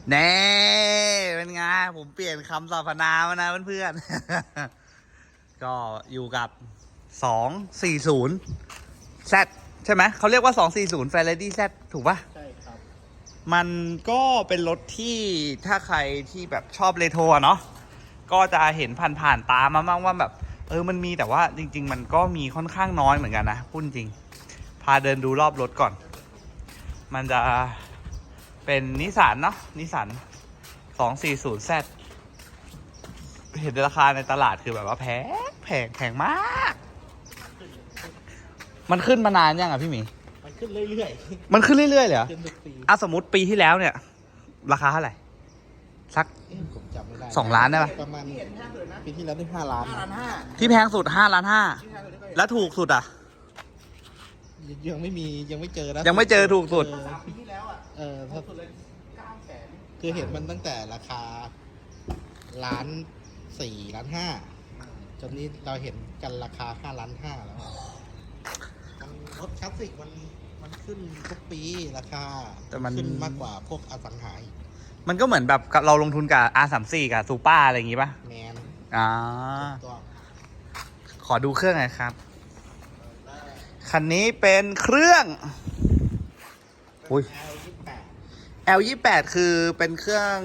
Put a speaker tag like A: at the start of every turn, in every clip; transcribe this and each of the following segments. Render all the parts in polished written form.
A: แน่เป็นไงผมเปลี่ยนคำสรรพนามนะเพื่อนๆ ก็อยู่กับ240 Z ใช่ไหมเขาเรียกว่า240 Ferrari Z ถูกปะ
B: ใช่ครับ
A: มันก็เป็นรถที่ถ้าใครที่แบบชอบเรโทรเนาะก็จะเห็นผ่านๆตามาบ้างว่าแบบมันมีแต่ว่าจริงๆมันก็มีค่อนข้างน้อยเหมือนกันนะพูดจริงพาเดินดูรอบรถก่อนมันจะเป็นนิสสันเนาะนิสสัน240 Z เห็นราคาในตลาดคือแบบว่าแพงมากมันขึ้นมานานยังอ่ะพี่หมี
B: มันขึ้นเรื่อย
A: ๆมันขึ้นเรื่อยๆเลยเหรอ
B: ขึ้นทุกปี
A: สมมติปีที่แล้วเนี่ยราคาเท่าไหร่สัก
B: ผมจำไม่ได้
A: 2 ล้านได้ปะ
B: ประมาณปีที่แล้วได้5 ล้าน
A: ที่แพงสุด5.5 ล้านแล้วถูกสุดอ่ะ
B: ยังไม่เจอนะ
A: ยังไม่เจอถูกสุด
B: ปีที่แล้วคือเห็นมันตั้งแต่ราคา1.4 ล้าน 5จนนี้เราเห็นกันราคา5.5 ล้านแล้วรถคลาสสิกมันขึ้นทุกปีราคา
A: แต่มัน
B: ขึ้นมากกว่าพวกอสังหา
A: มันก็เหมือนแบบเราลงทุนกับ R34 กับซูเปอร์อะไรอย่างงี้ป่ะ
B: แมน
A: ขอดูเครื่องหน่อยครับคันนี้เป็นเครื่องL28 คือเป็นเครื่อง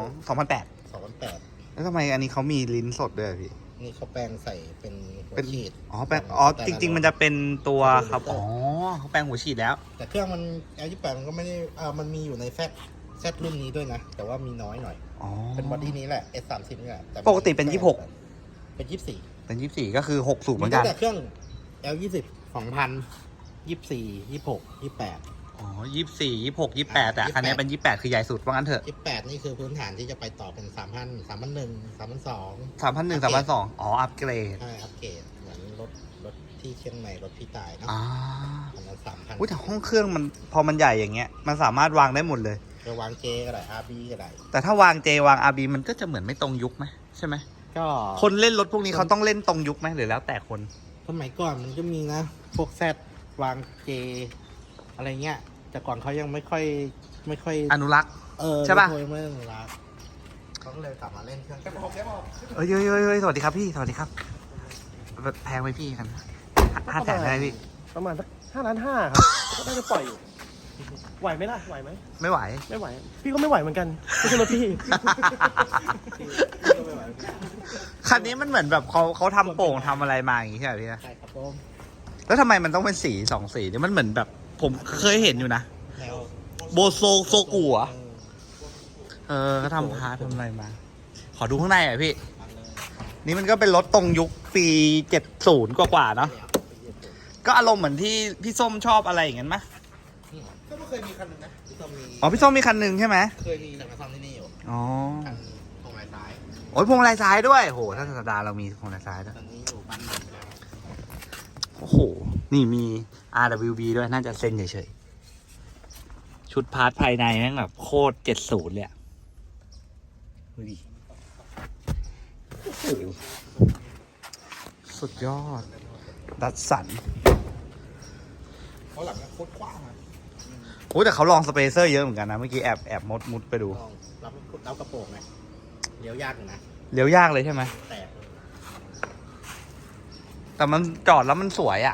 A: 2008แล้วทำไมอันนี้เขามีลิ้นสดด้วยพี่
B: นี่เขาแปลงใส่เป็นหัวฉีด
A: แปลงจริงๆมันจะเป็นตัวครับเขาแปลงหัวฉีดแล้ว
B: แต่เครื่องมัน L28 มันก็ไม่ได้มันมีอยู่ในแซดรุ่นนี้ด้วยนะแต่ว่ามีน้อยหน่อยเป็นบอดี้นี้แหละ S30 นี่แหละ
A: ปกติเป็น26
B: เป็น24
A: เป็น24ก็คือ6สูบเหมือนกัน
B: แต่เครื่อง L20 2024 26 28
A: 24 26 28แต่คันนี้เป็น28คือใหญ่สุดว่างั้นเถอะ
B: 28นี่คือพื้นฐานที่จะไปต่อเป็น3,000 3,100 3,200
A: 3,100 3,200อัปเกรด
B: ใช่อัปเกรดเหมือนรถที่เชียงใหม่รถพี่ตายเนาะประมาณ 3,000
A: แต่ห้องเครื่องมันพอมันใหญ่อย่างเงี้ยมันสามารถวางได้หมดเลย
B: จะวางเจก็ได้ RB ก็ได้
A: แต่ถ้าวางเจวาง RB มันก็จะเหมือนไม่ตรงยุคไหมใช่ไหม
B: ก็
A: คนเล่นรถพวกนี้เขาต้องเล่นตรงยุคไหมหรือแล้วแต่คน
B: สมัยก่อนมันก็มีนะพวกแซดวางเจอะไรเงี้ยแต่ก่อนเขายังไม่ค่อย
A: อนุรักษ์ใช่ป่ะ
B: ไม่อนุรักษ์เขาก็เลยกลับมาเล่นเครื่องแกบอก
A: เฮ้ยสวัสดีครับพี่สวัสดีครับแพงไหมพี่กัน500,000ได้พี่
C: ประมาณสัก5.5 ล้านครับก็น่าจะปล่อยอยู่ไหวไหมล่ะไหวไหม
A: ไม่ไหว
C: พี่ก็ไม่ไหวเหมือนกันไม่ใช่รถพี่
A: คันนี้มันเหมือนแบบเขาทำโป่งทำอะไรมาอย่างงี้ใช่ไหมพี่
B: ใช่ครับผม
A: แล้วทำไมมันต้องเป็นสี2 สีเนี่ยมันเหมือนแบบผมเคยเห็นอยู่นะโบโซกุอ่ะเขาทำพาร์ททำอะไรมาขอดูข้างในหน่อยพี่นี่มันก็เป็นรถตรงยุคปี70กว่าเนาะก็อารมณ์เหมือนที่พี่ส้มชอบอะไรอย่างนั้นไหม
B: ก็เคยมีคันนึงนะพี่ส้มมี
A: พี่ส้มมีคันหนึ่งใช่ไหม
B: เคยมีแต่มาซ่อมที่นี่อยู่คันพวงมาลัยซ้าย
A: พวงมาลัยซ้ายด้วยโหถ้าสัปดาห์เรามีพวงมาลัยซ้ายด้วยโอ้โหนี่มี RWB ด้วยน่าจะเซ็นเฉยๆชุดพาร์ทภายในแม่งแบบโคตร70เลยอ่ะดูดิโอ้โหสุดยอดดัดสัน
B: เขาหลังโคตรกว้างอ่ะ
A: แต่เขาลองสเปเซอร์เยอะเหมือนกันนะเมื่อกี้แอบมุดไปดู
B: รับกระโปรงไงเลี้ยวยากนะ
A: เลี้ยวยากเลยใช่ไหมแต่มันจอดแล้วมันสวยอ่ะ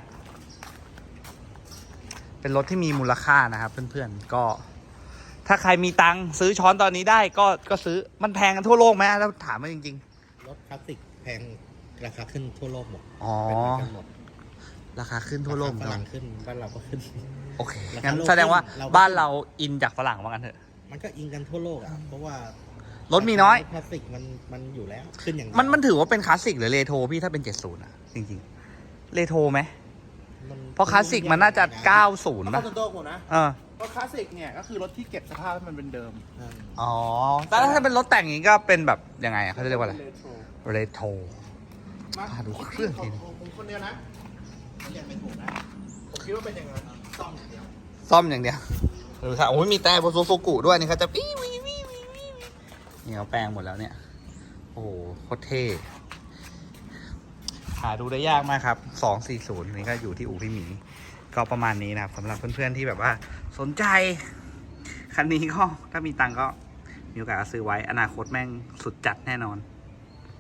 A: เป็นรถที่มีมูลค่านะครับเพื่อนๆก็ถ้าใครมีตังค์ซื้อช้อนตอนนี้ได้ก็ซื้อมันแพงกันทั่วโลกไหมแล้วถามมาจริง
B: ๆรถคลาสสิกแพงราคาขึ้นทั่วโลกหมด
A: ราคาขึ้นทั่วโลก
B: ฝรั่งขึ้นบ้านเราก็ขึ้น
A: โอเคงั้นแสดงว่าบ้านเราอินจากฝรั่งว่ากันเถอะ
B: มันก็อินกันทั่วโลกอ่ะเพราะว่าร
A: ถมีน้อย
B: คลาสสิกมันอยู่แล้วขึ้นอย่าง
A: มันถือว่าเป็นคลาสสิกหรือเรโทรพี่ถ้าเป็น70อ่ะจริงๆเรโทรไหมเพราะคลาสสิกมันน่าจะ90
C: ป่ะตัวหมดนะรถคลาสสิกเนี่ยก็คือรถที่เก็บสภาพให้มันเป็นเดิม
A: แต่ถ้าเป็นรถแต่งอย่างนี้ก็เป็นแบบยังไงเขาเรียกว่าอะไรเรโทรมาดูเครื่องที
B: ผมคนเดียวนะผมอยากเป็นถูกนะผมคิดว่าเป็นอย่างนั้นซ่อมอย่างเดียว
A: ดูค่ะมีแต่โบโซกุด้วยนี่เขาจะปี้นี่เขาแปลงหมดแล้วเนี่ยโอ้โหโคตรเท่หาดูได้ยากมากครับ240นี่ก็อยู่ที่อู่พี่หมีก็ประมาณนี้นะครับสำหรับเพื่อนๆที่แบบว่าสนใจคันนี้ก็ถ้ามีตังก็มีโอกาสก็ซื้อไว้อนาคตแม่งสุดจัดแน่นอน